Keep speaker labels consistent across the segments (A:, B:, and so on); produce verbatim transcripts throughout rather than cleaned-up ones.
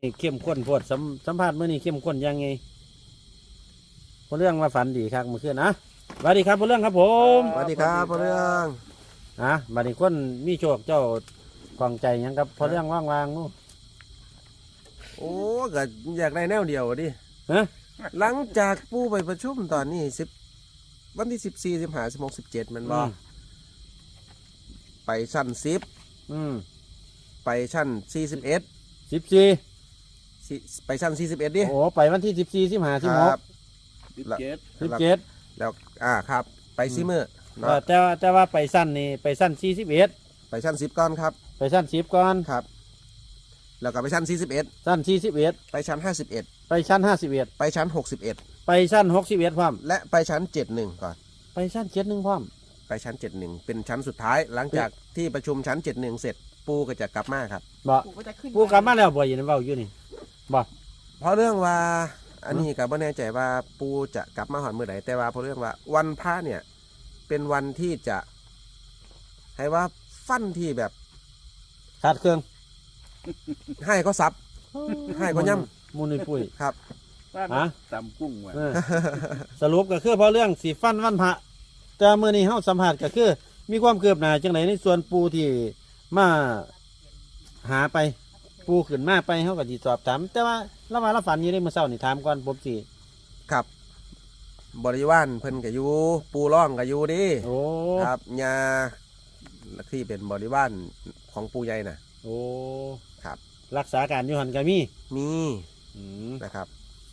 A: เข้มข้นโพดสัมสัมภาษณ์เมื่อนี้เข้มข้นยังไงพอเรื่องว่าฝันดีครับเมื่อคืนนะสวัสดีครับพอเรื่องครับผม
B: สวัสดีครับพอเรื่อง
A: อ่ะบัดนี้คนมีโชคเจ้าของใจยังครับพอเรื่องว่างวางนู้
B: โอ้ก็อยากได้แนวเดียวดิ
A: ฮะ
B: หลังจากปูไปประชุมตอนนี้สิบวันที่สิบสี่สิบห้าสิบหกสิบเจ็ดมันบ่ไปชั้นสิบ
A: อืม
B: ไปชั้นสี่สิบเอ็ด
A: สิบสี่
B: ไปชั้นสี่สิบเอ็ดดิ
A: โอ้ไปวันที่สิบสี่สิบห้าสิบหก
B: สิบเจ็ด
A: สิบเจ็ด
B: แล้วอ่าครับ ไปซีเมอร์เนาะ
A: แต่ว่าแต่ว่าไปสั้นนี่ไปสั้นสี่สิบเอ็ด
B: ไปชั้นสิบก่อนครับ
A: ไปสั้นสิบก่อน
B: ครับ แล้วก็ไปชั้นสี่สิบเอ็ด
A: สั้นสี่สิบเอ็ด
B: ไปชั้นห้าสิบเอ็ด
A: ไปชั้นห้าสิบเอ็ด
B: ไปชั้นหกสิบเอ็ด
A: ไปชั้นหกสิบเอ็ดพร้อม
B: และไปชั้นเจ็ดหนึ่งก่อน
A: ไปชั้นเจ็ดหนึ่งพร้อม
B: ไปชั้นเจ็ดหนึ่งเป็นชั้นสุดท้ายหลังจากที่ประชุมชั้นเจ็ดหนึ่งเสร็จปูก็จะกลับมาครับ
A: บ่ปูกลับมาแล้วบ่อยู่ในเว้าอยู่นี่บ่
B: เพราะเรื่องว่าอันนี้กับไม่แน่ใจว่าปูจะกลับมาหอนเมื่อไหร่แต่ว่าเพราะเรื่องว่าวันพระเนี่ยเป็นวันที่จะให้ว่าฟันที่แบบ
A: ขาดเครื่อง
B: ให้ก็ซับให้ก็ย่
A: ำมูลนิปุ้ย
B: ครับ
A: ฮะ
C: ตำกุ้งว่ะ
A: สรุปก็คือพอเรื่องสีฟันวันพระแต่เมื่อนี้เฮาสัมผัสก็คือมีความคืบหน้าจังไหนในส่วนปูที่มาหาไปปูขึ้นมาไปเฮาก็สิสอบถามแต่ว่าเราว่าเราฝันอยู่ในมื้อเช้านี่ถามก่อนผมสิ
B: ครับบริวารเพิ่นก็อยู่ปูร่องก็อยู่ดิ
A: โอ้
B: ครับยาที่เป็นบริวารของปูใหญ่น่ะ
A: โอ้
B: ครับ
A: รักษาการอยู่หั่นก็มี
B: มีนะครับ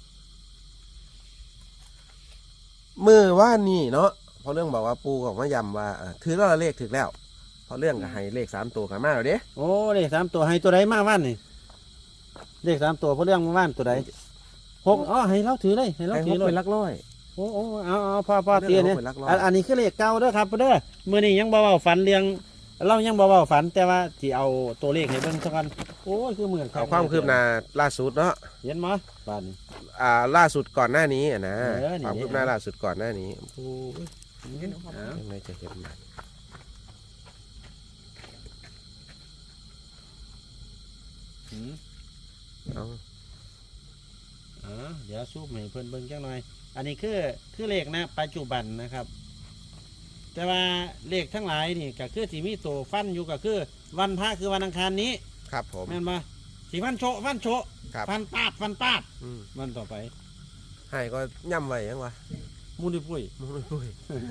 B: มือว่านี่เนาะเพราะเรื่องบอกว่าปูของมะยำว่าถือแล้วเลขถึงแล้วเพราะเรื่องกับให้เลขสามตัวกันมาแล้วเด้
A: โอ้เลขสามตัวให้ตัวใดมาว่านนี่เลขสามตัวเพราะเรื่องมาว่านตัวใดหกอ๋อให้เราถือเลยให้เราถือเลย
B: เป็นลักร้อย
A: โอ้โอ้เอาเอาพอพอเตียเนี่ยอันนี้คือเลขเก่าเด้อครับเด้อมื่อนี้ยังบ่เว้าฝันเรื่องเรายังบ่เว้าฝันแต่ว่าที่เอาตัวเลขให้เบิ่งสักกันโอ้ยคือเหมือน
B: เอาความคืบหน้าล่าสุดเนาะ
A: เห็นมั้ยป่าน
B: อ่าล่าสุดก่อนหน้านี้อ่ะนะความคืบหน้าล่าสุดก่อนหน้านี้โอ้ยยังไงจะเห็นมัน
A: เอาเดี๋ยวซูมให้เพิ่นเบิ่งจังหน่อยอันนี้คือคือเลขนะปัจจุบันนะครับแต่ว่าเลขทั้งหลายนี่ก็คือที่มีตัวฟันอยู่ก็คือวันพระคือวันอังคารนี้
B: ครับผม
A: แม่นบ่สีฟันโชฟันโชฟันปาดฟันปาดวันต่อไป
B: ให้ก็ย่ำไว้ยังวะ
A: มูนิปุ้ย
B: มูนิปุ้ย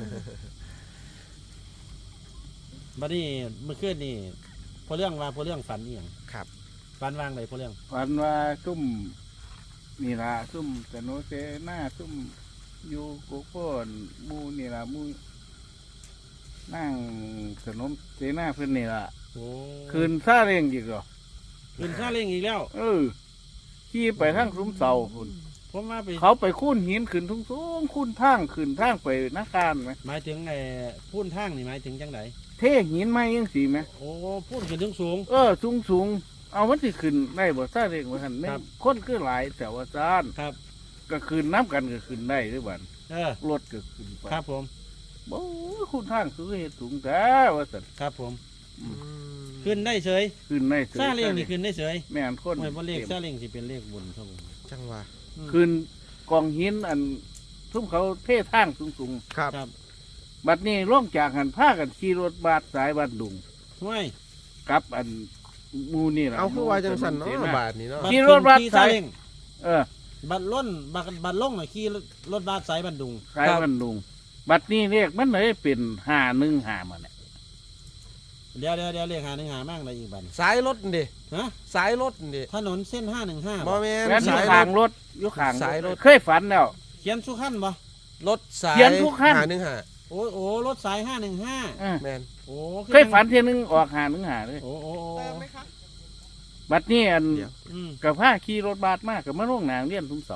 A: บัดนี้เมื่อคืนนี่พอเรื่องว่าพอเรื่องฝันนี่หยัง
B: ครับ
A: ฝันวางเลยพอเรื่อง
C: ฝันว่าซุ่มนี่ล่ะซุ่มกะโนเซหน้าซุ่มอยู่กุโคนมูนี่ล่ะมูนั่งขนมเสนาเพื่อนนี่ล่ะคืนซาเร่งอีกเหรอ
A: คืนซาเร่งอีกแล้ว
C: เออขี่ไปทางซุ้มเสาคุณ
A: ผมมาไป
C: เขาไปคุ้นหินขึ้นทุ่งสูงคุ้นทางขึ้นทางไปนักการไหม
A: หมายถึงไอ้พุ่นทางนี่หมายถึงจังไหน
C: เทหินไม้ยังสีไหม
A: โอ้พุ่นขึ้นถึงสูง
C: เออสูงสูงเอามันสิขึ้นได้บ่ซาเร่งว่าหันเนี่ยคนคือหลายแต่ว่าซาน
A: ครับ
C: ก็ขึ้นน้ำกันก็ขึ้นได้ด้วยบัน
A: เออ
C: รถก็ขึ้นไป
A: ครับผม
C: โอ้คุณทางสูงเหตุสูงแต่ว่าสัตว์
A: ครับผมขึ้นได้เฉย
C: ขึ้นได้เฉย
A: ซาเล้งนี่ขึ้นได้เฉย
C: แม่นคน
A: ไม่เพราะเลขซาเล้งสิเป็นเลขบุญครับผม
B: จังว่า
C: ขึ้นกองหินอันทุ่มเขาเท่ทางสูงสูง
B: ครับ
C: บัดนี้ล่องจากหันผ้ากันขี่รถบาดสายบัดดุง
A: ไม่
C: กับอันมูนี่แหละ
B: เอาคือว่าจังสันเนาะบาดนี่เนาะ
C: ขี่รถบาดสายเออ
A: บัดล้นบัดบัดล่องน่ะขี่รถบาดสายบัดดุง
C: สายบัดดุงบัดนี้เรียกมันเลยเป็นห้าหนึ่งห้ามาเนี่ย
A: เดี๋ยวเดี๋ยวเดี๋ยวเรียกหาหนึ่งหามากเลยอีกบัด
B: สายรถดิ
A: ฮะ
B: สายรถดิ
A: ถนนเส้นห้าหนึ่งห้า
B: บ่แม่น
C: สายทางรถยุคขาง
B: สายรถ
C: เคยฝันแล้ว
A: เขียนทุกขั้นบ่
B: รถสาย
C: เขียนทุกขั้น
B: ห้าหนึ่งห้า
A: โอ้โอ้รถสายห้าหนึ่งห้า
B: แม่น
A: โอ้
C: เคยฝันเทียนึงออกห้าหนึ่งห้าเลย
A: โอ้โอ้
C: บัดนี้อันกับผ้าขี่รถบาดมากกับมะม่วงนางเลี้ยนทุ่มเสา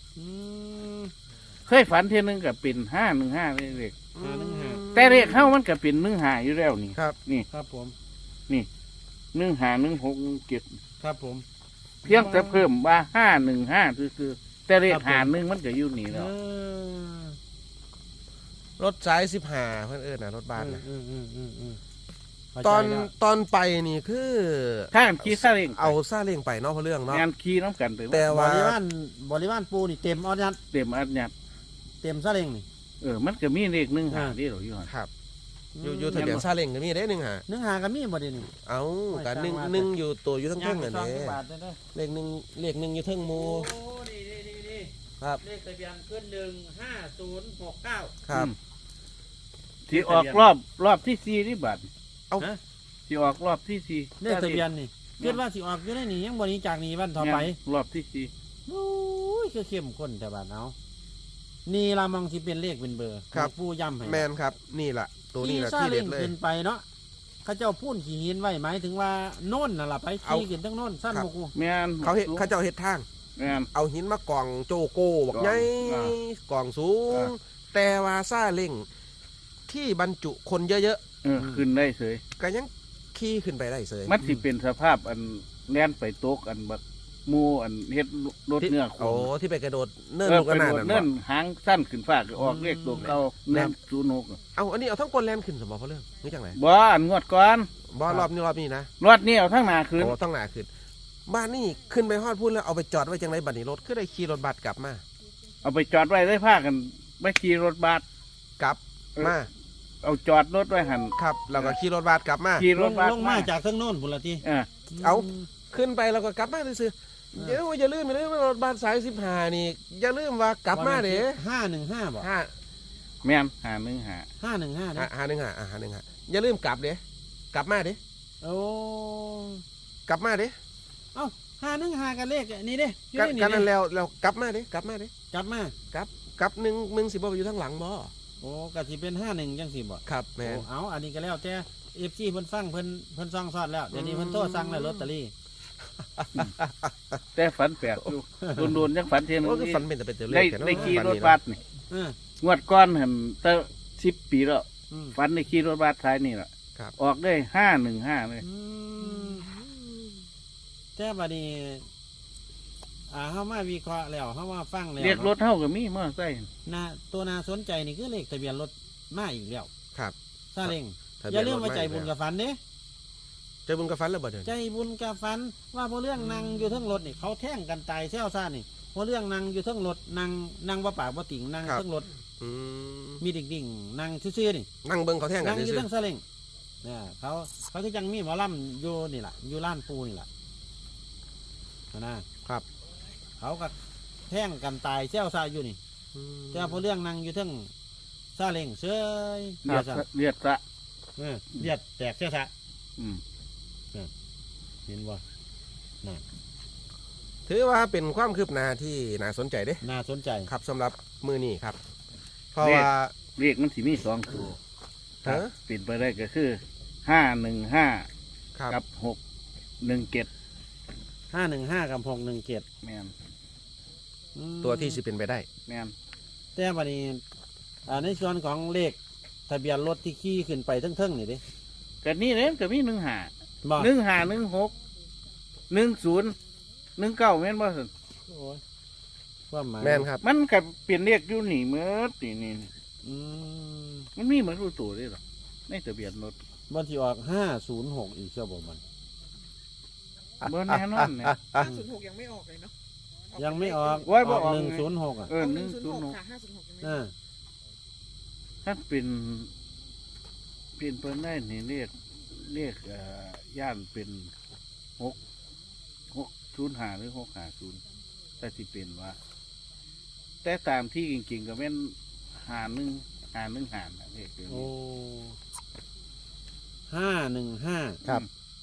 C: เคยฝันเทียนึงกับเป็นห้าหนึ่งห้าเลยเด็กแต่เรียกเข้ามันกับเป็นหนึ่งหาอยู่แล้วนี่
B: ครับ
C: นี่
A: ครับผม
C: นี่หนึ่งหาหนึ่งหกหนึ่งเจ็ด
A: ครับผม
C: เพียงแต่เพิ่มว่าห้าหนึ่งห้าคือคือแต่เรียกหาหนึ่งมันก็อยู่นี่แล้ว
B: รถสายสิบห้าเพื่อนเอิญนะรถบ้านนะ
A: เข้าใจ
B: ตอน
A: แล้ว
B: ตอนไปนี่คือ
C: ถ้ากันขี่ซาเล้ง
B: เอาซาเล้งไปเนาะเพราะเรื่องเนาะ
C: งานขี่น้ำกันไป
B: แต่
A: บ
B: ว่า
A: ริวารบริวารปูนี่เต็มออดยัด
C: เต็มอัดยัด
A: เต็มซาเล้งนี่
C: เออมันก็มีเลขหนึ่งหา
A: อ่า
C: ที่เราอยู่หั่น
B: ครับอยู่อยู่ทะเบียนซาเล้งก็มีได้หนึ่งหา
A: หนึ่งหาก็มีบ่เดี๋ยวนี้
B: เอา
A: โอ้ย
B: การหนึ่ง
A: สร้างมา
B: หนึ่งอยู่ตัวอยู่ทั้ง
A: ย่า
B: เทิ
A: ง
B: ง
A: ไป
B: อัน
A: สอง
B: นี้
A: บาทได้ได้
B: เลขหนึ่งเลขหนึ่งอยู่เทิงหมู
A: โอ้นี่นี่นี่นี่
B: ครับ
A: เลขทะเบียนขึ้นหนึ่งห้าศูนย์หกเก้า
B: ครับ
C: ที่ออกรอบรอบที่สี่นี่บัด
B: เอา
A: ฮะ
C: ที่ออกรอบที่สี่
A: เลขทะเบียนนี่คิดว่าสิออกอยู่ในนี่ยังบ่หนี้จากนี้วันต่อไป
C: รอบที่สี่
A: โอ้ยคือเข้มข้นแต่บ้านเอานี่ละมองสิเป็นเลขเป็นเบอร์
B: ครับ
A: ปูย้ำให้
B: แมนครับนี่แหละตัวนี้แหละ
A: ขี่ซา
B: ที่เด็
A: เล้
B: ด
A: ง
B: เลย
A: ขึ้นไปเนาะเขาเจ้าพูนขี่หินไว้หมายถึงว่าโน่นน่ะล่ะไป
B: เอา
A: ขี่ขึ้นทั้งโน่นสั้น
B: ครับ
A: บ่กู
C: แม่น
B: เขาเห็ดเขาเจ้าเห็ดทาง
C: แม่น
B: เอาหินมากองโจโก้บอก
C: กอง
B: ใหญ่
C: อ่า
B: กองสูง
C: อ่า
B: แต่ว่าซาเล้งที่บรรจุคนเยอะ
C: เออขึ้นได้เฉย
B: ๆก็ยังขี่ขึ้นไปได้เสย
C: มันสิเป็นสภาพอันแล่นไปตกอันบักหมูอันเฮ็ดรถ
B: ที่
C: เนื้อโค
B: โอ้
C: น
B: ที่ไปกระโดดเนิ่น
C: เออ
B: ลูกกระนาด
C: ไปโด
B: นั่
C: ด
B: น
C: เนิ่
B: บ่
C: นหางสั้นขึ้นฟ้าก็ออกเลขตัวเก่า
B: แม่
C: แน่
B: น
C: ศูนย์หก
B: เอาอันนี้เอาทั้งกลแลนขึ้นสมบัติเพราะเรื่องนี่จังไร
C: บ่อันงวดก่อน
B: บอรอบนี้รอบนี้นะ
C: รถนี่เอาทั้งหน้าขึ้น
B: โอ้ต้องหนาขึ้น บ้านนี่ขึ้นไปฮอดพูดแล้วเอาไปจอดไว้จังไรบัดนี้รถคือได้ขี่รถบัสกลับมา
C: เอาไปจอดไว้ได้พากันไปขี่รถบัส
B: กลับ
C: เออ
B: มา
C: เอาจอดรถไว้หัน
B: ครับเราก็ขี่รถบัสกลับมา
C: ขี่
A: ล
C: ร
A: ง
C: ถบัส
A: ลงมาจากทั้งโน่นพุ่นละที
C: เออ
B: เอา ขึ้นไปเราก็กลับมาซื่อๆเดี๋ยวอย่าลืมอย่าลืมว่ารถบัสสายสิบห้านี่อย่าลืมว่ากลับมาเด้
A: ห้าหนึ่งห้าบ่
B: ห้า
C: แม่นหาหนึ่งหา
A: ห้าหนึ่งห้า
B: หา
A: นะ
B: หาหนึ่งหาอ่าหาหนึ่งหาอย่าลืมกลับเด้กลับมาเด้
A: โอ้
B: กลับมาเด้
A: เอ้าห้าหนึ่งห้ากันเลขนี่เด้อยู่
B: กัน
A: ใน
B: กัน
A: นี่
B: นั่น
A: เด้
B: แล้วแล้วกลับมาเด้กลับมาเด้
A: กลับมา
B: กลับกลับหนึ่งมึงสิบ่ไปอยู่ทางหลังบ่
A: โอ้กะสิเป็นห้าหนึ่งจังสิบ่
B: ครับแม่
A: โอ้
B: น
A: เอาอันนี้ก็แล้วแต่เอฟซีเพิ่นฟังเพิ่นเพิ่นซองซอดแล้วเดี๋ยวนี้เพิ่นโทรสั่งแล้วลอตเตอรี่
C: แต่ฝันแปลกอยู่โดนๆยังฝันเทียน
B: โอ้คือฝันเป็นแต่เป็นตัวเล
C: ได้
B: ขแค่นั้น
C: ได้ขี่
B: ฝัน
C: รถ
B: นี่
C: บั
B: เนาะ
C: สนี่
A: เออง
C: วดก้อนหันตั้งสิบปีแล้ว
A: อืม
C: ฝันได้ขี่รถบัสท้ายนี่แหละ
B: ครับ
C: ออกได้ห้าหนึ่งห้าเลย
A: อืมแต่บัดนี้อ่าเฮามาวิเคราะห์แล้วเฮามาฟังแล้ว
C: เรียกรถเท่ากับมีมอไซค์
A: น่าตัวน่าสนใจนี่คือเลขทะเบียนรถมาอีกแล้ว
B: ครับ
A: ซาเล้ง
B: ทะ
A: อ
B: เบี
A: ย่าน ลื
B: ร
A: ม
B: ถ
A: ว่าใจบุญ
B: ไม่
A: กับฝันเด้
B: ใจบุญกับฝันแล้วบ่เดี๋ยว
A: ใจ
B: นี้
A: บุญกับฝันว่าพอเรื่องนางอยู่เทั้งรถนี่เขาแท่งกันตายเซี่ยวซ่านี่พอเรื่องนางอยู่เทั้งรถนางนางว่าปากว่าติ่งนางเทั้งรถ
B: อืม
A: มีดิ่งๆนางซื่อๆนี่
B: นั่งเบิ่งเขาแท่งกั
A: นาน งอยู่
B: ซื่อ
A: เทั้งซาเล้งเนี่ยเขาเขาคือจังมีหมอลำอยู่นี่แหละอยู่ล้านปูนี่แหละนะครับ เขาก็แท่งกันตายเซี่ยวซ่าอยู่นี่
B: อืม
A: แต่พอเรื่องนางอยู่เทั้งซาเล้งเซย
C: เลียด
A: ซะ
C: เลียดสะ
A: เออเลียดแตกเซี่ยวซ่า
C: อืม
A: เห็นบ่
B: ถือว่าเป็นความคืบหน้าที่น่าสนใจเด้
A: น่าสนใจ
B: ครับสำหรับมือนี้ครับ เพราะว่า
C: เรียกมันสิมีสองตัวถ้า
B: ฮะ
C: เปลี่ยนไปได้ก็คือห้าหนึ่งห้า
B: ครับ
C: กับหกหนึ่งเจ็ด
A: ห้าหนึ่งห้ากับหกหนึ่งเจ็ด
C: แมน
B: ตัวที่สิเป็นไปได้
C: แมน
A: แต่บัดนี้อ่าในส่วนของเลขทะเบียนรถที่ขี่ขึ้นไปเทั้งๆนี่เดิ
C: ก็นี่เลยก็มีหนึ่งหา
A: บ่
C: หนึ่งหาหนึ่งหกหนึ่งศูนย์หนึ่งเก้าแม่นบ่สิ
A: โอ้ยความหมาย
B: แม่นครับ
C: มันกับเปลี่ยนเรียกอยู่นี่เมื่อนี่นี่นี่
A: อืม
C: มันมีเหมือนรู้ตัวเลยหรอในทะเบียนรถ
A: บนที่ออกห้าศูนย์หกอีกเชื่อบ่มัน
C: เบอร์แน่นอนเนี่ย
D: ห้าศูนย์หกยังไม่ออกเลยเนาะ
A: ยังไม่ออก
C: โอ้ยบ่ออก
A: หนึ่งศูนย์หกอ่ะ
C: เออหนึ่ง
D: ศูน
C: ศูน
D: ย์
C: ย์
D: ห
C: ห
D: ก
C: ก
D: ค่ะห้าศูนย์หกยังไม่อ
A: อ่า
D: อก
C: ถ้าเป็นเปลี่ยนเปิ้นได้นี่เรียกเรียกเอ่อย่านเป็นหกหกศูนย์หาหรือหกหาศูนย์แต่ที่เป็นว่า แต่ตามที่จริงๆก็เป็นหาหนึ่งหาหนึ่งหาน่ะเรียกเดี๋ยว
A: โอ้
C: นี้
A: ห้าหนึ่งห้า
B: ครับ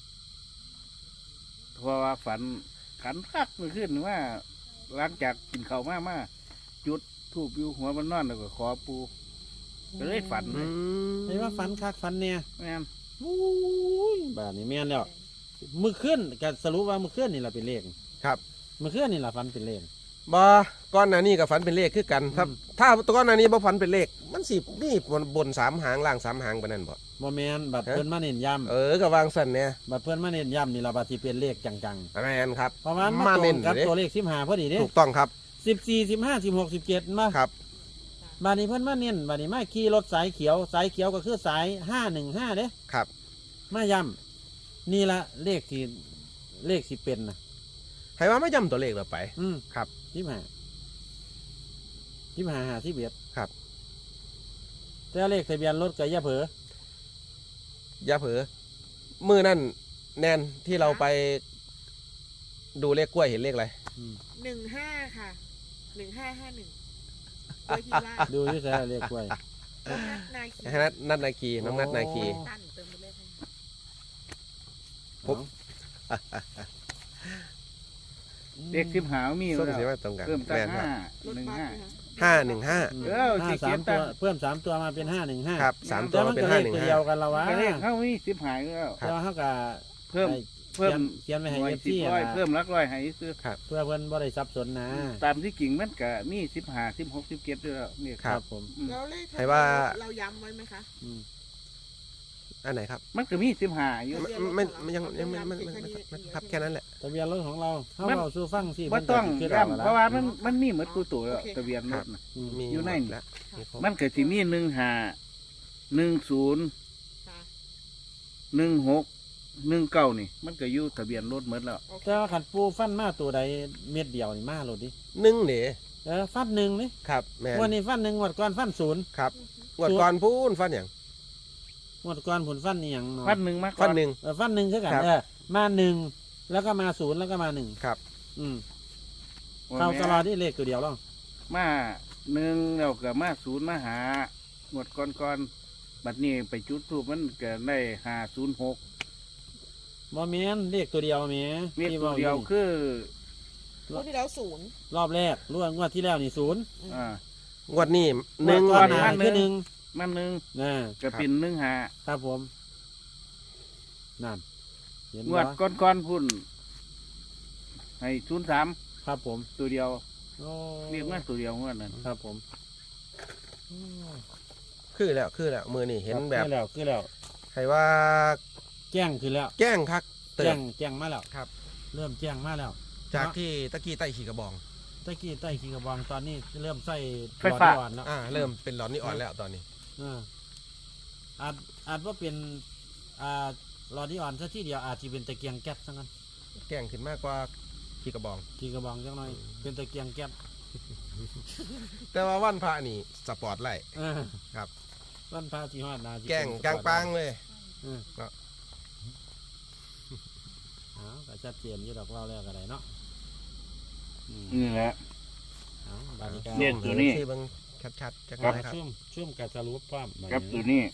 C: เพราะว่าฝันขันคักเมื่อคืนว่า หลังจากกินข้าวมามาจุดทูบอยู่หัวมันนอนแล้วก็ขอปูก็เลยฝันเล
B: อื
C: ย
B: ม
A: เห็นว่าฝันคักฝันเนี่ย
C: แม่น
A: โอ้ยบ้านนี้แม่นแล้วมือขึ้นก็สรุปว่ามือขึ้นนี่แหละเป็นเลข
B: ครับ
A: มือขึ้นนี่แหละฝันเป็นเลข
B: บ่ก้อนหน้านี้กับฝันเป็นเลขคือกัน ถ้า
A: อืม
B: ถ้าก้อนหน้านี้บ่ฝันเป็นเลข มันสิมีบนบนสามหางล่างสามหางปานนั้นบ่
A: บ่แม่นบัด
B: ฮะ
A: เพิ่นมาเน้นย้
B: เออก็วางสั่นเนี่ย
A: ำบัดเพิ่นมาเน้นย้ำนี่ล่ะบัดสิเป็นเลขจัง
B: แม่นครับ
A: ๆเพราะว่ามัน
B: มา
A: ตร
B: เน้
A: ง
B: น
A: กับ
B: เด้
A: ตัวเลขสิบห้าพอดีเด้
B: ถูกต้องครับ
A: สิบสี่สิบห้าสิบหกสิบเจ็ดมา
B: ครับ
A: บาดนี้เพิ่นมาเน้นบาดนี้มาขี่รถสายเขียว สายเขียวก็คือสายห้าหนึ่งห้าเด้
B: ครับ
A: มาย้ำนี่ละเลขที่เลขที่เป็นนะ
B: ให้ว่าไม่ย้ำตัวเลขเราไป
A: อืม
B: ครับ
A: ยี่สิบห้ายี่สิบห้าหาที่เบียด
B: ครับ
A: แต่เลขทะเบียนรถกับย่าเผลอ
B: อย่าเผลอมือนั่นแนนที่เราไปดูเลขกล้วยเห็นเลขอะไร
A: อืม
D: หนึ่งห้าค่ะหนึ่งห้าห้าหนึ่งโดยที่ว่า
A: ดูที่แท้เลขกล้วย
D: น้องนัดนาคี
B: นัดนัดนาคีน้องนัดนาคี
A: โอ้
D: ตั้นเติมไปเลยค่ะ
B: ผม
C: เด็กสิบหามี
B: ส้ม
C: แล้ว
B: สีว่าตรงกัน
C: เพิ่มตั้ง
B: แม่นค
C: ห้า
B: รับ
D: รถ
C: หนึ่ง
D: บัส
C: ห้า
D: นะคะ
B: ห้าหนึ่งห้า
A: อืม
C: เออ
A: ห้า
C: สิ
A: สาม
C: เขียน
A: ตัว
C: ตาม
A: เพิ่มสามตัวมาเป็นห้าหนึ่งห้า
B: ครับสามตั
A: แต่
B: ว
A: มัน
B: เป็น
A: ก็เล
B: ห้า
A: ข
B: หนึ่ง
A: ตัว
B: ห้า
A: เดียวกันละวะ
C: ก็เลขเข้ามีสิบหายแล้ว
B: ครับ
A: แต่ว่าเขาก็
C: เพิ่ม
A: ให้
C: เพิ่ม
A: เขียนไว้ให้
C: หน่วย
A: เอฟ
C: สิบ
A: ซี
C: ร้อย
A: นะ
C: เพิ่มหลักร้อยให้ซื้อ
A: เพื่อเพิ่นบ่ได้สับสนนะ
C: ตามที่กิ่งมันก็มีสิบหาสิบหกสิบเจ็ดด้วยแล้วเนี่ย
B: ครับ
A: ผม
C: อืม
D: แล้วเลขทะ
B: ให้
D: เบียน
B: ว่า
D: รถเราย้ำไว้ไหมคะ
A: อืม
B: อันไหนครับ
C: มันก็มีสิบหาอยู่
B: ไม่ไม่ไม่ยังยังไม่ไม่ไม่ไม่ไม่ครับแค่นั้นแหละ
A: ทะเบียนรถของเราเขา
C: มัน
A: เอาสู้ฟังสิ
C: ว่าต้อง
A: เพิ่นก็สิ
C: ย้ำ
A: คิด
C: เพราะว่ามันมันมีเหมือนกูตัวแล้วทะเบียนรถน่ะ
A: อืม
B: มี
C: อยู่ใน
B: หมดแล้วมีครบ
C: มันก็สิมีหนึ่งหาหนึ่งศูนย์
D: ค่ะ
C: หนึ่งหกหนึ่งเก้านี่ มันก็อยู่ทะเบียนรถเหมือนแล้ว
D: โอเค
A: แต่ว่าขันปูฟันมาตัวใดเม็ดเดียวนี่มาโลดดิ
B: หนึ่งเดี๋ย
A: เออฟันหนึ่งนี่
B: ครับแม่น
A: วันนี้ฟันหนึ่งงวดก่อนฟันศูนย์
B: ครับงวดก่อนพูนฟันอย่าง
A: งวดก่อนผลฟันนี่หยังเนาะ
C: พันหนึ่งมาก
B: ฟันหนึ่ง
A: เออฟันหนึ่งคือกัน
B: ครับ
A: เออมาหนึ่งแล้วก็มาศูนย์แล้วก็มาหนึ่ง
B: ครับ
A: อืมเข้าตลอดที่เลขตัวเดียวหรอก
C: มาหนึ่งแล้วก็มาศูนย์มาหาหมดก่อนก่อนๆบัดนี้ไปจุดทูปมันก็ได้หาศูนย์หก
A: บ่แม่นเลขตัวเดียวแหม่
C: มี
A: ที่
C: ตัว
A: ว้า
C: เดียว
A: นี่
C: คือ
D: รถที่แล้วศูนย์
A: รอบแรกรวดงวดที่แล้วนี่ศูนย์
C: อ่าง
B: วดนี้หนึ่ง
A: งวดก่อนห
C: วั
A: น้าน
C: หนึ่
A: คือง หนึ่ง
C: มันหนึ่ง
A: นะ
C: ก็เป็นหนึ่งหา
A: ครับผมนั่นเห็น
C: งว
A: บ่
C: ดก่อนก่อนๆพุ่นให้ศูนย์สาม
A: ครับผม
C: ตัวเดียว
A: โอ้
C: เรียกมาตัวเดียวงวดนั้น
A: ครับผม
B: คือแล้วคือแล้วมือนี่เห็นแบบ
A: คือแล้วคือแล้ว
B: ให้ว่า
A: แจ้งคือแล้ว
B: แจ้งคักเติ
A: แจ้
B: ม
A: งแจ้งมาแล้ว
B: ครับ
A: เริ่มแจ้งมาแล้ว
B: จากที่ตะกี้ใต้ขี่กระบอง
A: ตะกี้ใต้ขีกระบองตอนนี้เริ่มใส่
C: ไฟฟ้า
A: หลอดอ่อนแล้ว
B: อ่าเริ่มเป็นหลอนนี่อ่อนแล้วตอนนี้
A: อ่าอาจอาจว่าเป็นอ่าหลอดที่อ่อนซะที่เดียวอาจจะเป็นตะเกียงแก๊สซะงั้น
B: แจ้งขึ้นมากกว่าขี่กระบอง
A: ขีกระบองจังหน่อยเป็นตะเกียงแก๊ส
B: แต่ว่าวันพระนี่สปอร์ตไลท์
A: เออ
B: ครับ
A: วันพระที่ฮอดนาสิ
B: แกงกลางปางเลย
A: เออ
B: เนาะ
A: เอาก็ชัดเจนอยู่ดอกเล่าแล้วก็ได้เนาะอืม
C: นี่แหละ
A: เอาบาดนี้ก็
C: เนี่ย ตัวนี้
B: ชื่อเบิ่งชัดๆจัง
A: ครับ
B: เลยครับ
A: ช่วงช่วงการสรุปความบัด
C: กับตัวนี้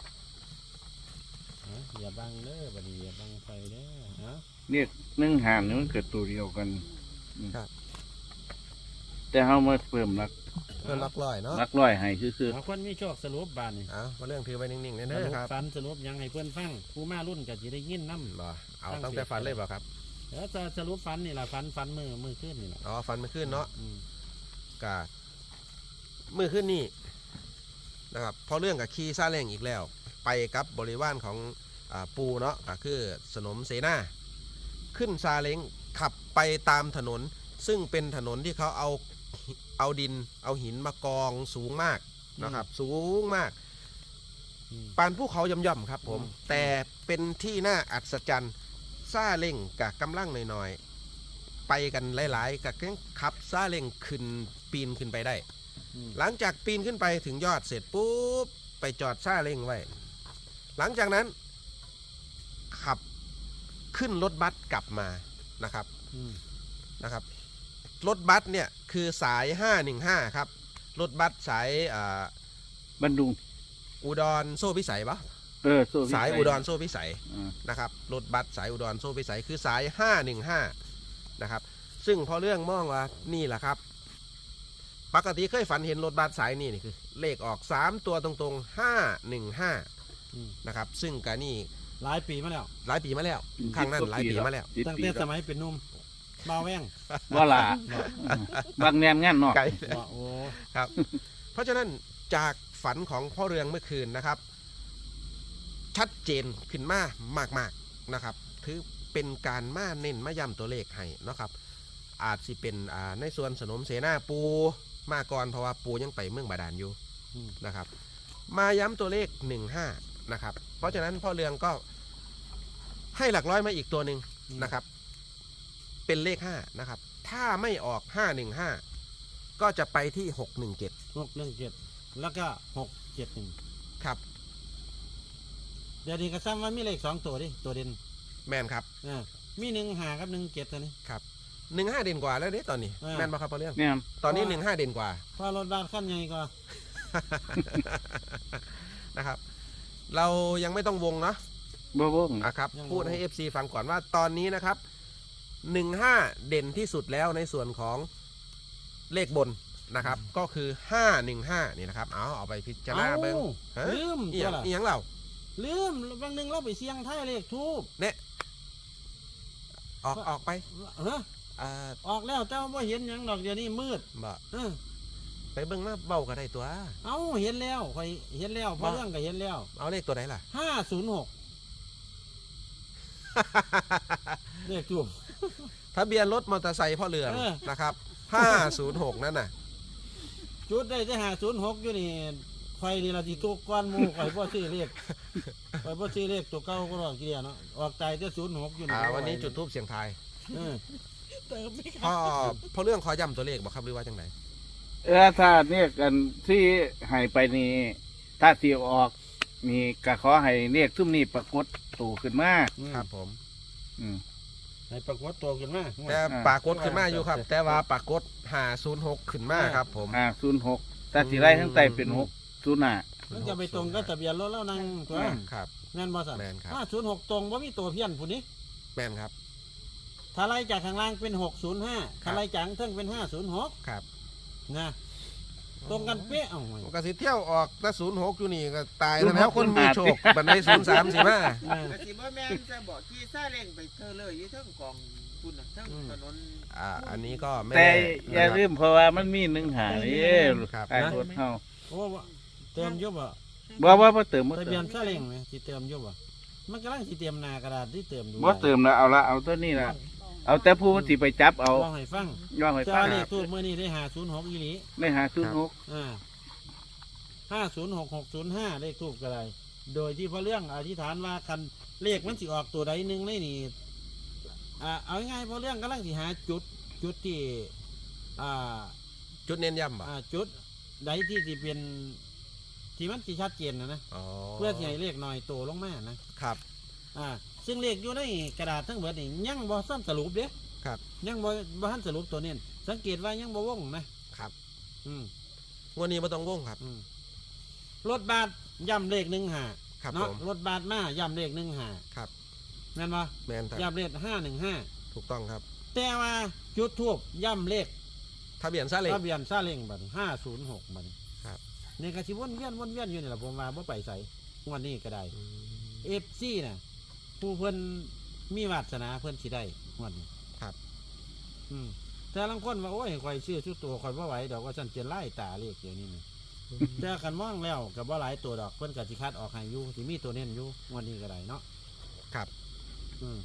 A: เอาอย่าบังเด้อบัดนี้อย่าบังไฟเด้อเอา
C: เรียกหนึ่งหานี่มันเกิดตัวเดียวกันอืม
B: ครับ
C: แต่เขามาเพิ่มหลัก
B: เพื่อนล็อกลอยเนาะ
C: หลักร้อยให้คือ
A: เอาคนมีโชคสรุปบานนี่
B: เอามาเรื่องถือไว้นิ่งๆ
A: ส
B: เด้
A: รุ
B: อ
A: ป
B: ครับ
A: ฝันสรุปหยังให้เพื่อนฟังผู้มารุ่นก็จะได้ยินน้ำ
B: บ่เอาตั้งแต่ฟันเลยบ่ครับ
A: แล้วจะสรุปฝันนี่ล่ะฝันฝันมือมือขึ้นนี่ล่ะ
B: อ๋อฟันมันขึ้นเนาะ
A: อืม
B: กะมือขึ้นนี่นะครับเพราะเรื่องกับขี่ซาเล้งอีกแล้ว ไปกับบริวารของอาปูเนาะก็คือสนมเสนาขึ้นซาเล้งขับไปตามถนน ซึ่งเป็นถนนที่เขาเอาเอาดินเอาหินมากองสูงมากนะครับ สูงมาก
A: อืม
B: ปานภูเขาย่อมๆครับผม
A: อืม
B: แต่เป็นที่น่าอัศจรรย์ซาเล้งกับกำลังหน่อยๆไปกันหลายๆกับขับซาเล้งขึ้นปีนขึ้นไปได้
A: อืม
B: หลังจากปีนขึ้นไปถึงยอดเสร็จปุ๊บไปจอดซาเล้งไว้ หลังจากนั้นขับขึ้นรถบัสกลับมานะครับ
A: อืม
B: นะครับรถบัสเนี่ยคือสายห้าหนึ่งห้าครับรถบัสสายอ่า
C: บันดุง
B: อุดรโซ่พิสัยปะ
C: เออโซ่พิสั
B: สายอุดรโซ่พิสัย
C: อ่า
B: นะครับรถบัสสายอุดรโซ่พิสัยคือสายห้าหนึ่งห้านะครับซึ่งพอเรื่องมองว่านี่แหละครับปกติเคยฝันเห็นรถบัสสายนี่นี่คือเลขออกสามตัวตรงๆห้าหนึ่งห้า
A: อืม
B: นะครับซึ่งกานี่
A: หลายปีมาแล้ว
B: หลายปีมาแล้วครั้งนั้นหลายปีมาแล้ว
C: สิบ
A: ตั้ง
C: ปี
A: แต่
C: แล้ว
A: สมัยเป็นหนุ่มมาแว่ง
C: ว่าล่ะบางแนนงานเนาะ
B: ไกล
A: ว่าโอ้
B: ครับ เพราะฉะนั้นจากฝันของพ่อเรืองเมื่อคืนนะครับ ชัดเจนขึ้นมามากๆนะครับถือเป็นการมาเน้นมาย้ำตัวเลขให้นะครับ อาจสิเป็นอ่าในส่วนสนมเสนาปูมาก่อนเพราะว่าปูยังไปเมืองบาดาลอยู่
A: อืม
B: นะครับ มาย้ำตัวเลขหนึ่งห้านะครับ เพราะฉะนั้นพ่อเรืองก็ให้หลักร้อยมาอีกตัวหนึ่งนะครับ เป็นเลขห้านะครับ ถ้าไม่ออกห้าหนึ่งห้าก็จะไปที่หกหนึ่งเจ็ด
A: หกหนึ่งเจ็ดแล้วก็หกเจ็ดหนึ่ง
B: ครับ
A: เดี๋ยวนี้ก็ซ้ำว่ามีเลขสองตัวดิตัวเด่น
B: แมนครับ
A: อ่ามีหนึ่งหากับหนึ่งเจ็ดตัวนี้
B: ครับหนึ่งห้าเด่นกว่าแล้วเนี่ยตอนนี้
A: อ่า
B: แมนมาครับพอเรื่อง
C: เนี่ย
B: ตอนนี้หนึ่งห้าเด่นกว่า
A: เพราะรถบ้านขั้นใหญ่ก็
B: นะครับ เรายังไม่ต้องวงเนาะ
C: บ่บ่ง
B: นะครับ
A: ยัง
B: พูดให้
A: วง
B: เอฟซี ฟังก่อนว่าตอนนี้นะครับหนึ่งห้าเด่นที่สุดแล้วในส่วนของเลขบนนะครับ ก็คือห้าหนึ่งห้านี่นะครับเอาเอาไปพิจารณาเบิ้ง
A: เอ้า
B: ฮะ
A: ลืม
B: อีห
A: ตั
B: ยั
A: ว
B: ง
A: ละ
B: อีหยังเรา
A: ลืมบางหนึ่งเราไปเสี่ยงท้ายเลขทูบ
B: เนี่ยออกออกไป
A: เฮ้อ
B: อ่า
A: ออกแล้วแต่ว่าเห็นหยังดอกเดี๋ยวนี้มืด
B: บ่
A: เออ
B: ไปเบิ้งมาเบาก็ได้ตัว
A: เอาเห็นแล้วคอยเห็นแล้วเพราะเรื่องก็เห็นแล้ว
B: เอาเลขตัวไหนล่ะ
A: ห้าศูนย์หกเลขทูบ
B: ทะเบียนรถมอเตอร์ไซค์พ่อเรือง
A: เออ
B: นะครับห้าศูนย์หกนั่นน่ะ
A: จุดได้แต่หาศูนย์หกอยู่นี่ไฟนี่ละที่ตัวก้อนหมูข่อยพ่อซื้อเลขข่อยพ่อซื้อเลขตัวเก่าก็รอกเกียเนาะออกใจแต่ศูนย์หกอยู่นี่
B: อ่าวันนี้จุดทูบเสียงทาย
A: เออ
D: เติมไม่
B: พ่อ
D: ค่ะ
B: พ่อเรื่องขอย้ำตัวเลขบอกครับหรือว่าจังไหน
C: เออถ้าเนี่ยกันที่ให้ไปนี่ถ้าที่ออกนี่ก็ขอให้เรียกซุ่มนี่ปรากฏตัวขึ้นมา
B: ครับผม
C: อืม
A: ให้ปรากฏตัวขึ้นมา
B: แต่ปรากฏขึ้นมาอยู่ครับ แต่ว่าปรากฏหาศูนย์หกขึ้นมาครับผม
C: อ่าศูนย์หกถ้าที่ไร่ทั้งใต้เป็นหกศูนย์ห้า
A: มันจะไปตรงก็ทะเบียนรถแล้วนั่งตัว
C: อืม
B: ครับ
A: แม่นบอสัน
B: แม่นครับ
A: ห้าศูนย์หกตรงว่ามีตัวเพี้ยนผู้นี้
B: แม่นครับ
A: ถ้าไล่จากข้างล่างเป็นหกศูนย์ห้าถ้าไล่จากข้างเทิงเป็นห้าศูนย์หก
B: ครับ
A: นะตรงกันเป๊ะเอ้าไว้
B: มันก็สิเที่ยวออกแต่ศูนย์หกอยู่นี่ก็ตายแล้วแล้วคนมีโชคบันไดศูนย์สามสิมา
A: เออ
E: แต่สิบ่แม่นจะบอกขี่ซาเล้งไปเธอเลยอยู่เทั้งกองคุณน่ะเทั้ง
A: อืม
E: ถนน
B: อ่าอันนี้ก็ไม่
C: แต่
B: แน่
C: อย่า
B: นะครับ
C: ลืมเพราะว่ามันมีหนึ่งหานี่
B: ครับ
C: ไอ้รถเฮา
A: โอ้ว่าเติมอยุบอ่ะ
C: บ่ว่าบ่เติมบ่
A: ทะ
C: เติ
A: เบียน
C: ม
A: ซาเล้งไหมที่เติมอยุบอ่ะมันกำลังที่เตรียมหนากระดาษที่เติมดู
C: บ่เติมแล้วเอาละเอาตัวนี้ละเอาแต่ผู้ที่ไปจับเอา
A: ลองให้ฟัง
C: ย่องให้
A: เจ้า
C: ฟัง
A: เลขทูบเมื่อนี้ได้หาศูนย์หกอีหลี
C: ได้หาศูนย์หก
A: อ่าห้าศูนย์หกหกศูนย์ห้าเลขทูบก็ได้โดยที่พระเรื่องอธิษฐานว่าคันเลขมันสิออกตัวใดหนึ่งเลยนี่อ่าเอาง่ายๆพระเรื่องกำลังสิหาจุดจุดที่อ่า
B: จุดเน้นย้ำบ่
A: อ่าจุดใดที่สิเป็นที่มันสิชัดเจนนะนะ
B: อ๋อ
A: เพื่อที่ให้เลขหน่อยโตลงมานะครับ อ่าซึ่งเลขอยู่ในกระดาษทั้งหมดนี่ยังบ่ซ้ำสรุปเด้
B: ครับ
A: ยังบ่บ่ทันสรุปตัวนี้สังเกตว่ายังบ่วงนะครับ อืม
B: วันนี้ไม่ต้องวงครับ
A: อืมรถบัสย่ำเลขหนึ่งหา
B: ครับ
A: เนาะ
B: ผม
A: รถบัสมาย่ำเลขหนึ่งหา
B: ครับ
A: แม่นบ่
B: แมนครับ
A: ย่ำเลขห้าหนึ่งห้า
B: ถูกต้องครับ
A: แต่ว่าจุดทูบย่ำเลข
B: ทะเบียนซาเล้ง
A: ทะเบียนซาเล้งบัดห้าศูนย์หกบัด
B: ครับ
A: นี่ก็สิวนเวียนวนเวียนอยู่นี่แหละผมว่าบ่ไปใส่งวันนี้ก็ได้
B: อืม
A: เอฟซีน่ะผู้เพิ่นมีวาสนาเพิ่นสิได้งวันนี้
B: ครับ
A: อืมแต่บางคนว่าโอ้ยข่อยซื้อชุดตัวข่อยบ่ไหวดอกว่าฉันจะไล่ตาเลขเดี๋ยวนี้นี่แต่คันมองแล้วกับว่าหลายตัวดอกเพิ่นก็สิคัดออกให้อยู่สิมีตัวเน้นอยู่งวันนี้ก็ได้เนาะ
B: ครับ
A: อืม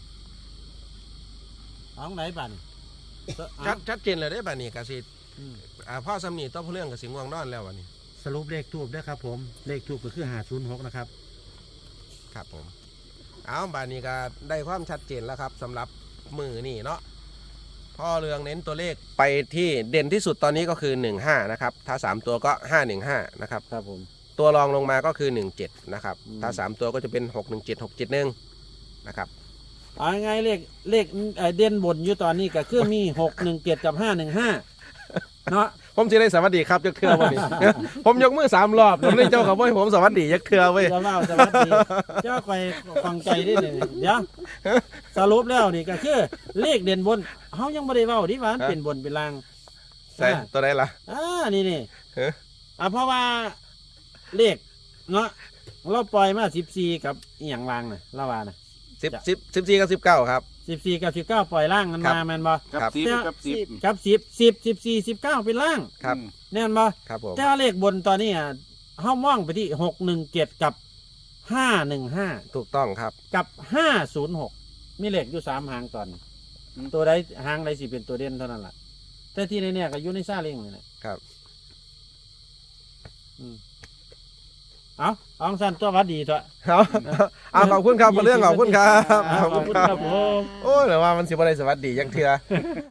A: เอาไหนบัดนี้เอา
B: ชัดชัดเจนเลยได้ป่ะนี่กสิ
A: อืม
B: อ่าพ่อสำนีต้องเรื่องกับสิง่วงนอนแล้ววันนี้
A: สรุปเลขทูบด้วยครับผมเลขทูบก็คือห้าศูนย์หกนะครับ
B: ครับผม เอาบานนี้ก็ได้ความชัดเจนแล้วครับสำหรับมือนี่เนาะพ่อเรืองเน้นตัวเลขไปที่เด่นที่สุดตอนนี้ก็คือหนึ่งห้านะครับถ้าสามตัวก็ห้าหนึ่งห้านะครับ
A: ครับผม
B: ตัวรองลงมาก็คือหนึ่งเจ็ดนะครับ
A: อืม
B: ถ้าสามตัวก็จะเป็นหกหนึ่งเจ็ดหกเจ็ดหนึ่งนะครับ
A: เอาไงายๆเลขเลขเอ่อเด่นบนอยู่ตอนนี้ก็คือมีหกหนึ่งเจ็ดกับห้าหนึ่งห้าเนาะ
B: ผมจะได้สวัสดีครับยักเทือวันนี้ ผมยกมือสามรอบผมเลยเจ้ากับว่าผมสวัสดียักเทือเว้ย
A: จะเล่าจะวัดดีเจ้าไปฟังใจได้เลยเดี๋ยวสรุปแล้วนี่ก็คือเลขเด่นบนเขายังไม่ได้เว้าดิว่ามันเป็นบนเป็นล่าง
B: ใส่ตัวไหนล่ะ
A: อ่านี่นี่
B: เฮ้ย
A: อ่าเพราะว่าเลขเนาะเราปล่อยมาสิบสี่กับอหย่างล่างน่ะละวาน่ะ
B: สิบสิบสิบสี่กับสิบเก้าครับ
A: สิบสี่กับสิบเก้าปล่อยล่างกัน
B: ครับ
A: มาแมนบ่
C: กับ
B: ครับ
C: สิบ
A: เจ้า
C: กับสิบ
A: กับสิบสิบสิบสี่สิบเก้าเป็นล่าง
B: ครับ
A: แน่นบ่
B: ครับผม
A: แต่ว่าเลขบนตอนนี้อ่ะเขามองไปที่หกหนึ่งเจ็ดกับห้าหนึ่งห้า
B: ถูกต้องครับ
A: กับห้าศูนย์หกมีเลขอยู่สามหางตอนนี้ตัวใดหางใดสิเป็นตัวเด่นเท่านั้นแหละแต่ที่ในเนี่ยก็อยู่ในซาเล้งนี่แหละ
B: ครับ
A: อืมเอาเอาสั่นตัวหวัดดีเถอะ
B: เอาเอาขอบคุณครับพอเรื่องขอบคุณครับ
A: ขอบคุณครับผม
B: โอ้ยแต่ว่ามันสิบ่ได้สวัสดีจังเทื่อ